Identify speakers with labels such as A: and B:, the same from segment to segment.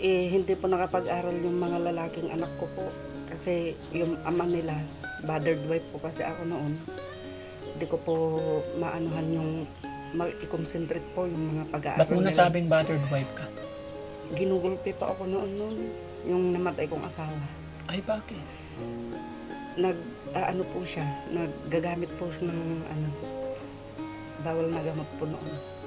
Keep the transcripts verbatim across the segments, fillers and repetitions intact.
A: Eh, hindi po nakapag-aral yung mga lalaking anak ko po. Kasi yung ama nila, bothered wife po kasi ako noon. Hindi ko po maanuhan yung mag-i-concentrate po yung mga pag-aaral
B: Ba't mo
A: nila.
B: nasabing battered wife ka?
A: Ginugulpi pa ako noon noon, yung namatay kong asawa.
B: Ay, bakit?
A: Nag, ah, ano po siya, naggagamit po siya ng ano, bawal na gamot po noon.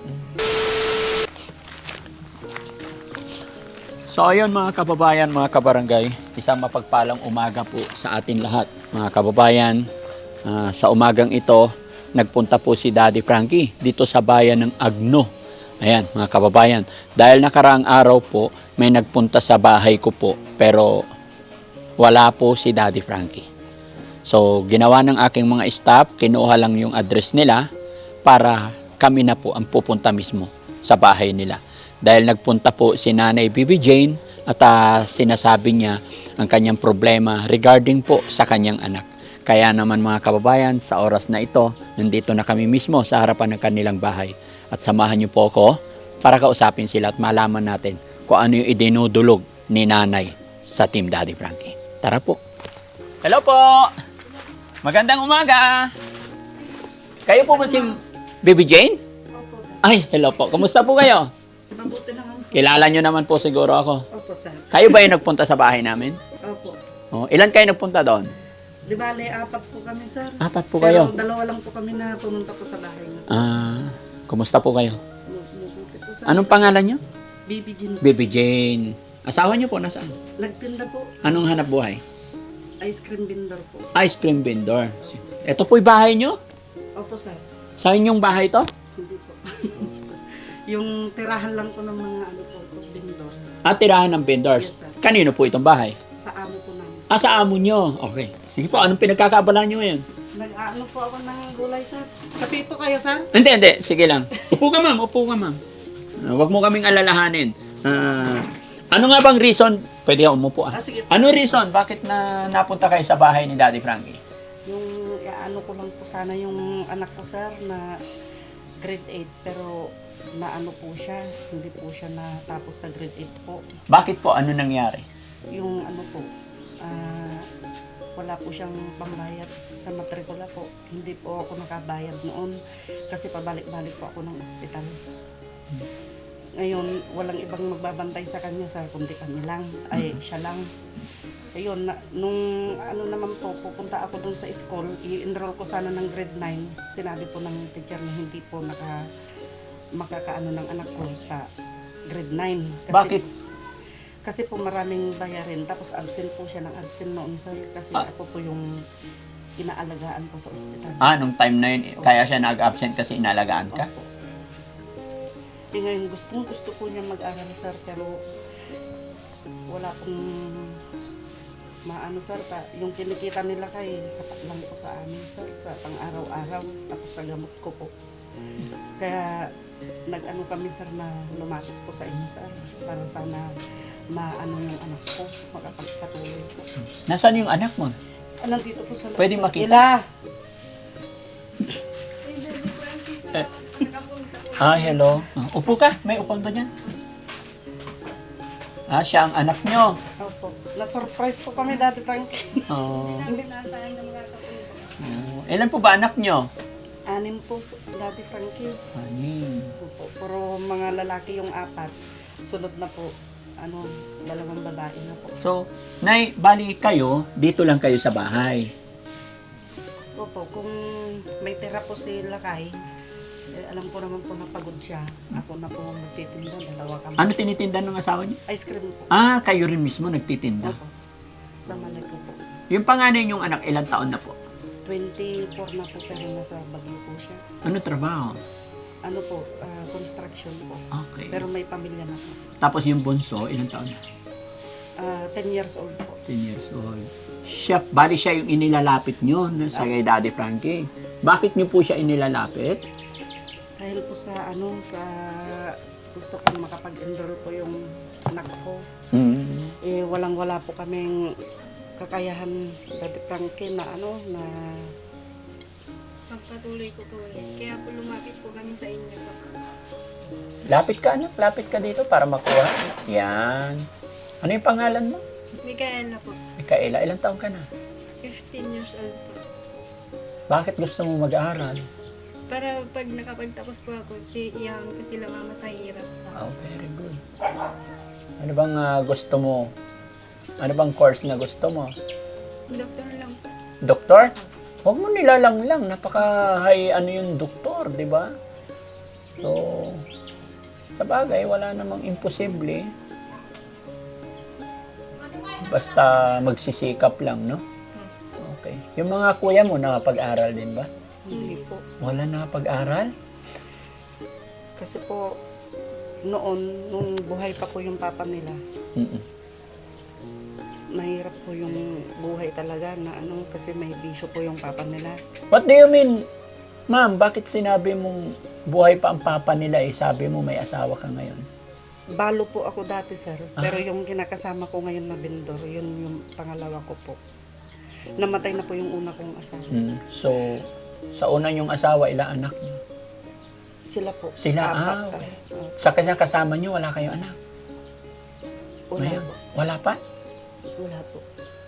B: So ayun mga kababayan, mga kabarangay, isang mapagpalang umaga po sa atin lahat. Mga kababayan, ah, sa umagang ito, nagpunta po si Daddy Frankie dito sa bayan ng Agno. Ayan mga kababayan, dahil nakaraang araw po, may nagpunta sa bahay ko po, pero wala po si Daddy Frankie. So ginawa ng aking mga staff, kinuha lang yung address nila para kami na po ang pupunta mismo sa bahay nila. Dahil nagpunta po si Nanay Bibi Jane at uh, sinasabi niya ang kanyang problema regarding po sa kanyang anak. Kaya naman mga kababayan, sa oras na ito, nandito na kami mismo sa harapan ng kanilang bahay. At samahan niyo po ako para kausapin sila at malaman natin kung ano yung idinudulog ni Nanay sa Team Daddy Frankie. Tara po. Hello po! Magandang umaga! Kayo po ba si Bibi Jane?
A: Opo,
B: Ay, hello po. Kumusta po kayo?
A: mabuti naman po.
B: Kilala nyo naman po siguro ako.
A: Opo, sir.
B: Kayo ba yung nagpunta sa bahay namin?
A: Opo.
B: Oh, ilan kayo nagpunta doon?
A: Di bale, apat po kami, sir.
B: Apat po
A: Pero
B: kayo.
A: dalawa lang po kami na pumunta po sa bahay niya, sir.
B: Ah, kumusta po kayo?
A: Mabuti po, sir.
B: Anong pangalan nyo?
A: Baby Jean.
B: Baby Jane. Asawa nyo po nasaan?
A: Nagtinda po.
B: Anong hanap buhay?
A: Ice cream vendor po.
B: Ice cream vendor. Ito po'y bahay nyo?
A: Opo, sir.
B: Sa inyong bahay to?
A: Hindi po. Yung tirahan lang po ng mga ano po, po vendor.
B: At tirahan ng vendors.
A: Yes, sir.
B: Kanino po itong bahay?
A: Sa amo po namin.
B: Ah, sa amo nyo. Okay. Sige po, anong pinagkakaabalahan nyo ngayon?
A: Nag-ano po ako ng gulay, sir. Kape po kayo, sir?
B: Hindi, hindi. Sige lang. Upo ka, ma'am. Upo ka, ma'am. Uh, Huwag mo kaming alalahanin. Ah, ano nga bang reason? Pwede ako umupo. Ah.
A: Ah, sige.
B: Ano reason? Bakit na napunta kayo sa bahay ni Daddy Frankie?
A: Yung ano ko lang po sana yung anak ko, sir, na grade eight. Pero na ano po siya, hindi po siya natapos sa grade eight po.
B: Bakit po? Ano nangyari?
A: Yung ano po, ah, wala po siyang pambayad sa matrikula po. Hindi po ako nakabayad noon kasi pabalik-balik po ako ng ospital. Ngayon, walang ibang magbabantay sa kanya, sir, kundi kami lang. Ay, siya lang. Ayun, na, nung ano naman po, pupunta ako dun sa school, i-enroll ko sana ng grade nine. Sinabi po ng teacher na hindi po naka, makakaano ng anak ko sa grade nine. Kasi,
B: Bakit?
A: Kasi po maraming bayarin. Tapos absent po siya ng absent noon, sir. Kasi
B: Ah.
A: ako po yung inaalagaan po sa ospital.
B: Ah, nung time na yun, kaya siya nag-absent kasi inalagaan ka?
A: Opo. Eh ngayon, gustong gusto po niya mag-aral, sir, pero wala pong maano, sir. Pa, yung kinikita nila kay sapat lang po sa amin, sir, sa pang-araw-araw, tapos sa gamot ko po. Kaya nag-ano kami, sir, na lumapit po sa inyo, sir, para sana maano yung anak ko, makapagpatuloy po.
B: Nasaan yung anak mo?
A: Ah, nandito po sa loob,
B: Pwede
A: sir.
B: makita?
A: Ila!
B: Eh. Ah, hello. Ah, upo ka. May upan ba dyan? Ah, siya ang anak nyo.
A: Opo. Na-surprise po kami, Daddy Frankie.
B: Oh.
A: Hindi.
B: Oh. Ilan po ba anak nyo?
A: Anim po, Daddy Frankie.
B: Anim.
A: Opo. Puro mga lalaki yung apat. Sunod na po, ano, dalawang babae na po.
B: So, Nay, bali kayo, dito lang kayo sa bahay.
A: Opo, kung may tira po si Lakay, eh, alam ko naman po na pagod siya. Ako na po magtitinda, dalawa kami.
B: Ano tinitinda ng asawa niyo?
A: Ice cream po.
B: Ah, kayo rin mismo nagtitinda.
A: Opo. Sa malay ko po.
B: Yung panganay niyong anak, ilang taon na po?
A: twenty-four na po pero nasa Baguio po siya.
B: Ano trabaho?
A: Ano po, ah, construction po.
B: Okay.
A: Pero may pamilya na po.
B: Tapos yung bunso, ilang taon na?
A: Ah, ten years old po.
B: ten years old. Siya, bali siya yung inilalapit niyo no, sa kay Daddy Frankie. Bakit niyo po siya inilalapit?
A: Dahil po sa ano, sa gusto ko makapag-enroll po yung anak ko.
B: Mm.
A: Eh, walang-wala po kaming kakayahan, Daddy Frankie, na ano, na
C: pagpatuloy ko po ulit. Kaya po lumapit po kami sa inyo.
B: Lapit ka, anak. Lapit ka dito para makuha. Yan. Ano yung pangalan mo?
C: Micaela po.
B: Micaela, ilang taon ka na?
C: fifteen years old po.
B: Bakit gusto mo mag-aaral?
C: Para pag nakapagtapos po ako, si iyan ko sila mama sa hirap po.
B: Oh, very good. Ano bang ah, gusto mo? Ano bang course na gusto mo?
C: Doktor lang po.
B: Doktor? Huwag mo nilalang lang. Napaka-high ano yung doktor, di ba? So, sa bagay, wala namang imposible. Basta magsisikap lang, no? Okay. Yung mga kuya mo, nakapag-aral din ba?
A: Hindi po.
B: Wala nakapag-aral?
A: Kasi po, noon, nung buhay pa po yung papa nila,
B: Mm-mm.
A: mahirap po yung buhay talaga na ano, kasi may bisyo po yung papa nila.
B: What do you mean? Ma'am, bakit sinabi mong buhay pa ang papa nila eh? Sabi mo may asawa ka ngayon.
A: Balo po ako dati, sir. Pero yung kinakasama ko ngayon na bindor, yun yung pangalawa ko po. Namatay na po yung una kong asawa. sir.
B: Mm. So, sa una yung asawa, ilang anak niyo?
A: Sila po.
B: Sila,
A: apat.
B: ah, okay.
A: ah,
B: Sa kasi kasama niyo, wala kayong anak?
A: wala
B: Ngayon?
A: po.
B: Wala pa?
A: Wala po.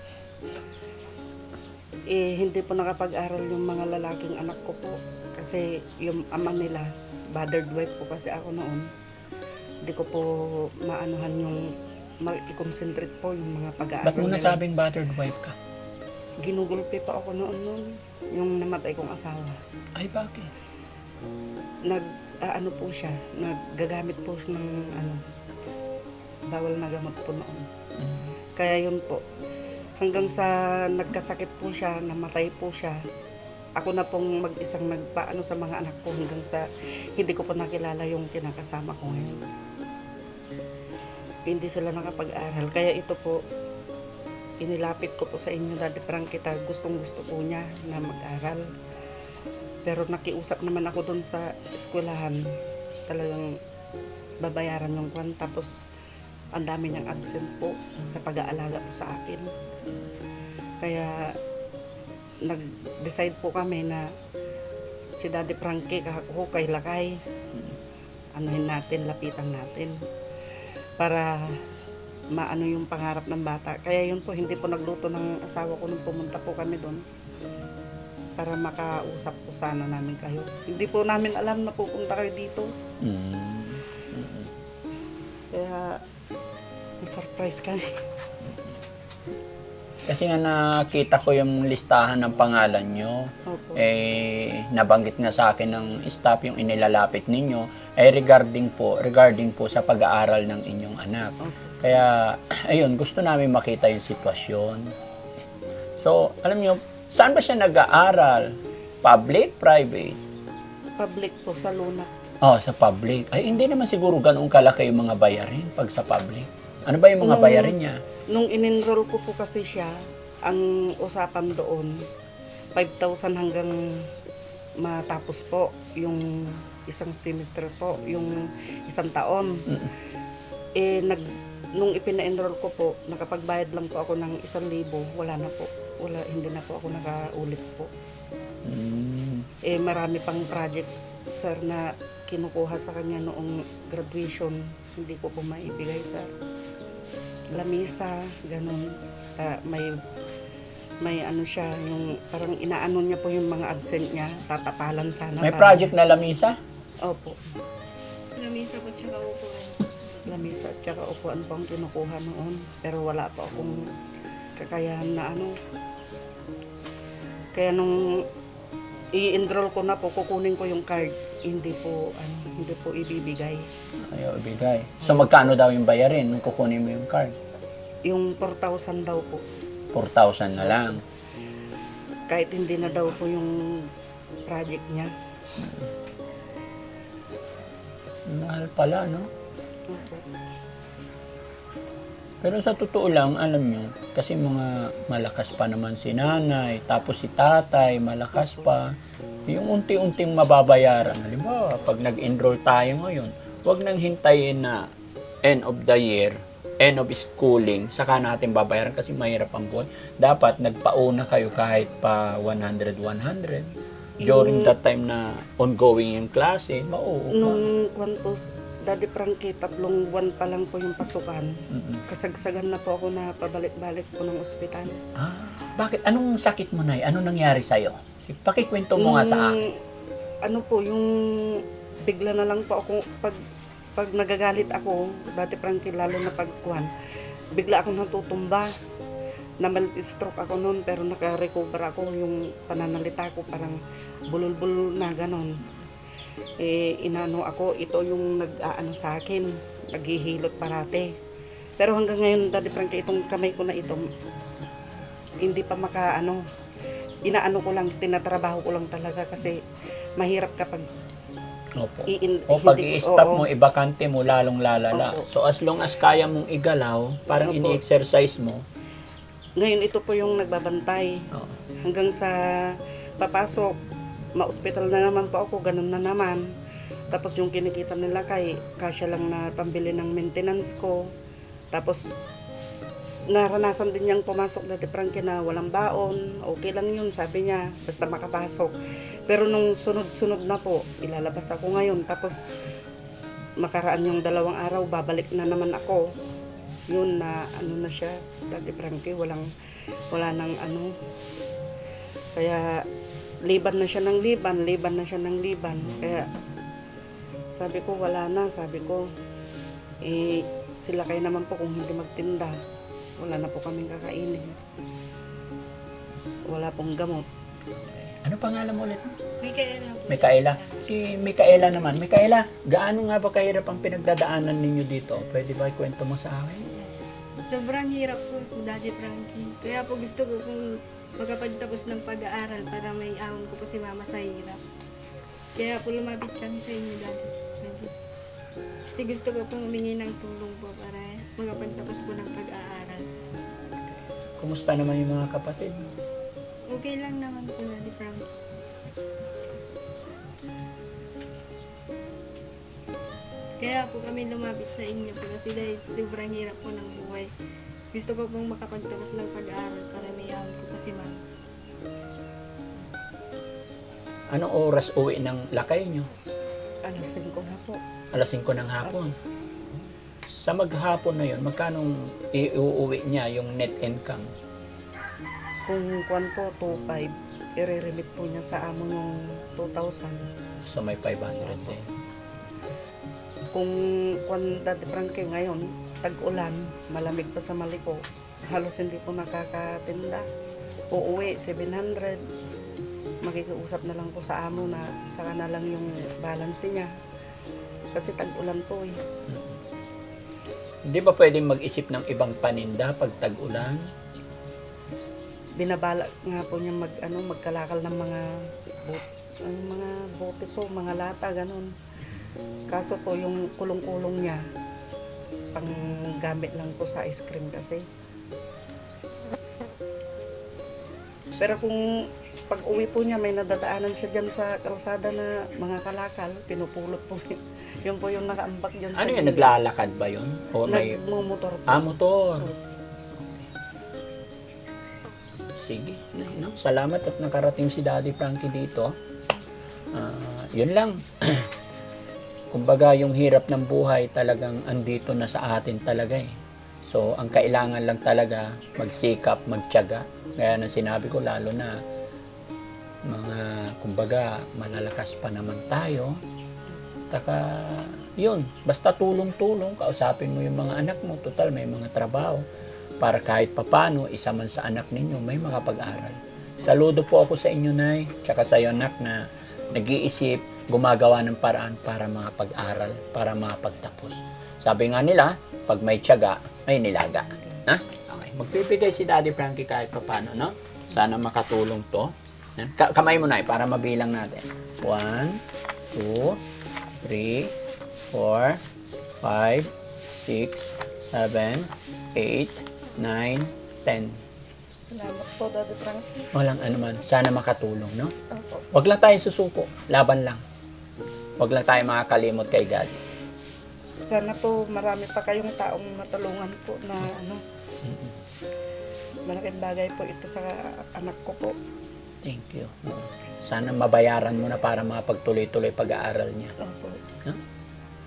A: Eh, hindi po nakapag-aral yung mga lalaking anak ko po. Kasi yung ama nila, bothered wife po kasi ako noon. Hindi ko po maanuhan yung mag-concentrate po yung mga pag-aaral
B: Ba't mo
A: nila.
B: nasabing battered wife ka?
A: Ginugulpi pa ako noon noon. Yung namatay kong asawa.
B: Ay, bakit?
A: Nag, ah, ano po siya, naggagamit po siya ng ano, bawal na gamot po noon.
B: Mm.
A: Kaya yun po, hanggang sa nagkasakit po siya, namatay po siya, ako na pong mag-isang nagpaano sa mga anak ko hanggang sa hindi ko po nakilala yung kinakasama ko ngayon. Hindi sila nakapag-aral. Kaya ito po, inilapit ko po sa inyo, Daddy Frankita, gustong gusto po niya na mag-aral. Pero nakiusap naman ako doon sa eskwelahan, talagang babayaran yung kwan. Tapos, ang dami niyang absent po sa pag-aalaga po sa akin. Kaya, nag-decide po kami na si Daddy Frankie, kako kay Lakay, anuhin natin, lapitan natin. Para maano yung pangarap ng bata. Kaya yun po, hindi po nagluto ng asawa ko nung pumunta po kami doon. Para makausap po sana namin kayo. Hindi po namin alam na pupunta kayo dito.
B: Mm. Mm.
A: Kaya, may surprise kami.
B: Kasi nga nakita ko yung listahan ng pangalan nyo.
A: Opo.
B: Eh, nabanggit nga sa akin ng staff yung inilalapit ninyo ay regarding po, regarding po sa pag-aaral ng inyong anak.
A: Opo.
B: Kaya, ayun, gusto namin makita yung sitwasyon. So, alam nyo, saan ba siya nag-aaral? Public, private?
A: Public po sa Luna.
B: Oh, sa public. Ay, hindi naman siguro ganun kalaki yung mga bayarin pag sa public. Ano ba yung mga
A: Nung-
B: bayarin niya?
A: Nung in-enroll ko po kasi siya, ang usapan doon, five thousand hanggang matapos po yung isang semester po, yung isang taon.
B: Mm.
A: Eh, nag, nung ipina-enroll ko po, nakapagbayad lang po ako ng isang libo, wala na po. Wala, hindi na po ako nakaulit po.
B: Mm.
A: Eh, marami pang projects, sir, na kinukuha sa kanya noong graduation. Hindi ko po maibigay, sir. Lamisa, ganun. Ah, may, may ano siya, yung parang inaano niya po yung mga absent niya, tatapalan sana.
B: May
A: para-
B: project na lamisa?
A: Opo.
C: Lamisa po tsaka upuan.
A: Lamisa at saka upuan po ang kinukuha noon. Pero wala pa akong kakayahan na ano. Kaya nung i-enroll ko na po, kukunin ko yung card. Hindi po, ano, hindi po ibibigay.
B: Ayaw ibigay. So, magkano daw yung bayarin nung kukunin mo yung card?
A: Yung four thousand daw po.
B: four thousand na lang.
A: Kahit hindi na daw po yung project niya.
B: Mahal pala, no?
A: Opo.
B: Pero sa totoo lang, alam nyo, kasi mga malakas pa naman si nanay, tapos si tatay, malakas pa. Yung unti-unting mababayaran, halimbawa, pag nag-enroll tayo ngayon, huwag nang hintayin na end of the year, end of schooling, saka natin babayaran kasi mahirap ang buwan. Dapat nagpauna kayo kahit pa one hundred, one hundred. During
A: Yung-
B: that time na ongoing yung klase, mauupa.
A: Nung kwan po, Daddy Frankie, tatlong buwan pa lang po yung pasukan.
B: Mm-mm.
A: Kasagsagan na po ako na pabalik-balik po ng ospital.
B: Ah, bakit? Anong sakit mo, Nay? Ano nangyari sa'yo? Pakikwento mo nga sa
A: Nung-
B: akin.
A: Ano po, yung bigla na lang po ako, pag, pag nagagalit ako, Daddy Frankie, lalo na pagkuhan, bigla akong natutumba. Na stroke ako noon, pero naka-recover ako. Yung pananalita ko parang bulol-bulol na ganon. Eh, inano ako, ito yung nag-aano sa akin, naghihilot parate. Pero hanggang ngayon, Daddy Frankie, itong kamay ko na ito, hindi pa makaano, inaano ko lang, tinatrabaho ko lang talaga kasi mahirap kapag
B: Opo.
A: iin,
B: O pag
A: hindi-
B: i-stop
A: oo.
B: mo, ibakante mo, lalong lalala.
A: Opo.
B: So as long as kaya mong igalaw, parang
A: Opo.
B: ini-exercise mo.
A: Ngayon, ito po yung nagbabantay.
B: Oo.
A: Hanggang sa papasok, ma-hospital na naman po ako, ganun na naman. Tapos yung kinikita nila kay kasya lang na pambili ng maintenance ko. Tapos naranasan din niyang pumasok na Frankie na walang baon. Okay lang yun, sabi niya, basta makapasok. Pero nung sunod-sunod na po, ilalabas ako ngayon. Tapos makaraan yung dalawang araw, babalik na naman ako. Yun na ano na siya, Daddy Frankie, walang, wala nang ano. Kaya liban na siya ng liban, liban na siya ng liban. Kaya sabi ko, wala na, sabi ko, eh, sila kayo naman po kung hindi magtinda. Wala na po kaming kakainin. Wala pong gamot.
B: Ano pangalan mo ulit?
C: May kaya na po.
B: Mikaela. Si Mikaela naman. Mikaela, gaano nga ba kahirap ang pinagdadaanan ninyo dito? Pwede ba ikwento mo sa akin?
C: Sobrang hirap po si Daddy Frankie. Kaya po gusto ko kung makapagtapos ng pag-aaral para may ahon ko po si Mama sa hirap. Kaya po lumapit kami sa inyo, Daddy Frankie. Kasi gusto ko pong humingi ng tulong po para makapagtapos po ng pag-aaral.
B: Kumusta naman yung mga kapatid?
C: Okay lang naman po, Daddy Frankie. Kaya po kami lumapit sa inyo po kasi dahil sobrang hirap po ng buhay. Gusto ko pong makapagtapos ng pag-aaral para may ahon ko po si Mama.
B: Anong oras uwi ng lakay nyo?
A: Alas singko na po.
B: Alas singko ng hapon. Sa maghapon na yun, magkano iuuwi niya yung net income?
A: Kung kwan po, two five, i-remit po niya sa amo yung two thousand.
B: So may five hundred din.
A: Kung kwan, Daddy Frankie, ngayon, tag-ulan, malamig pa sa Maliko, halos hindi po nakakatinda. Uuwi, seven hundred. Makikiusap na lang po sa amo na saka na lang yung balance niya. Kasi tag-ulan po eh.
B: Hindi ba pwedeng mag-isip ng ibang paninda pag tag-ulan?
A: Binabala nga po niya mag, ano, magkalakal ng mga bot, ang mga bote po, mga lata, ganun. Kaso po yung kulong-kulong niya, pang gamit lang po sa ice cream kasi. Pero kung pag uwi po niya, may nadadaanan siya dyan sa kalsada na mga kalakal, pinupulot po. Yun po yung nakaambak dyan sa
B: Ano yun?
A: gilid.
B: Naglalakad ba yun? O may...
A: Nagmumotor po.
B: Ah, motor. Sige. No? Salamat at nakarating si Daddy Frankie dito. Ah, yun lang. Kumbaga, yung hirap ng buhay talagang andito na sa atin talaga eh. So, ang kailangan lang talaga magsikap, magtiyaga. Kaya nang sinabi ko, lalo na mga, kumbaga, malalakas pa naman tayo. Taka, yun, basta tulong-tulong, kausapin mo yung mga anak mo. Total, may mga trabaho. Para kahit papano, isa man sa anak ninyo, may makapag-aral. Saludo po ako sa inyo, Nay, tsaka sa iyo, anak, na nag-iisip, gumagawa ng paraan para makapag-aral, para makapagtapos. Sabi nga nila, pag may tiyaga, may nilaga. Ha? Okay. Magbibigay si Daddy Frankie kahit papano, no? Sana makatulong to. Ka- kamay mo, Nay, para mabilang natin. One, two, three, four, five, six, seven, eight, nine, ten.
A: Salamat po, Daddy Frankie.
B: Walang anuman. Sana makatulong, no?
A: Opo.
B: Huwag lang tayo susuko. Laban lang. Huwag lang tayo makakalimot kay God.
A: Sana po marami pa kayong taong matulungan po na ano. Malaking bagay po ito sa anak ko po.
B: Thank you. Sana mabayaran mo na para makapagtuloy-tuloy pag-aaral niya.
A: Opo.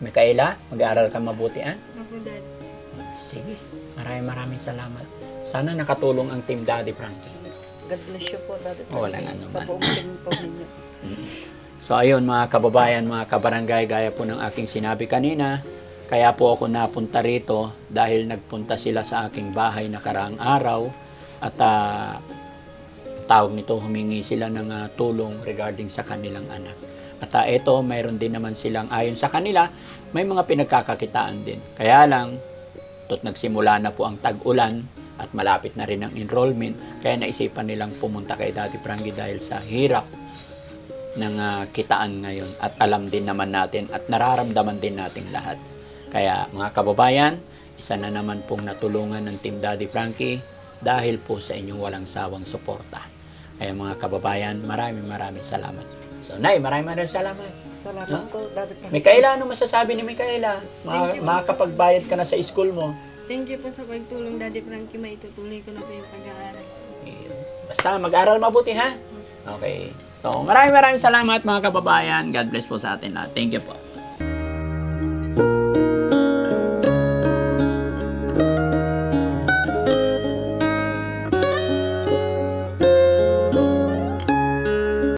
B: Mikaela, mag-aaral ka mabuti, ah?
C: Ako, Daddy.
B: Sige, maraming maraming salamat. Sana nakatulong ang Team Daddy Frankie.
A: God bless you po, Daddy Frankie.
B: Wala nga
A: Sa
B: naman.
A: buong team po ninyo.
B: So ayun mga kababayan, mga kabarangay, gaya po ng aking sinabi kanina, kaya po ako napunta rito dahil nagpunta sila sa aking bahay nakaraang araw at ah, tawag nito, humingi sila ng ah, tulong regarding sa kanilang anak. At uh, ito, mayroon din naman silang ayon sa kanila, may mga pinagkakakitaan din. Kaya lang, tot nagsimula na po ang tag-ulan at malapit na rin ang enrollment, kaya naisipan nilang pumunta kay Daddy Frankie dahil sa hirap ng ah, kitaan ngayon. At alam din naman natin at nararamdaman din nating lahat. Kaya mga kababayan, isa na naman pong natulungan ng Team Daddy Frankie dahil po sa inyong walang sawang suporta. Kaya mga kababayan, maraming maraming salamat. So, Nay, maraming maraming salamat.
A: Salamat po, Daddy Frankie.
B: Mikaela, ano masasabi ni Mikaela?
C: Thank you po,
B: Makakapagbayad ka na sa school mo.
C: Thank you po sa pagtulong, Daddy Frankie. Maitutuloy ko na po yung pag-aaral.
B: Basta mag-aral mabuti, ha? Okay. So, maraming maraming salamat mga kababayan. God bless po sa atin lahat. Thank you po.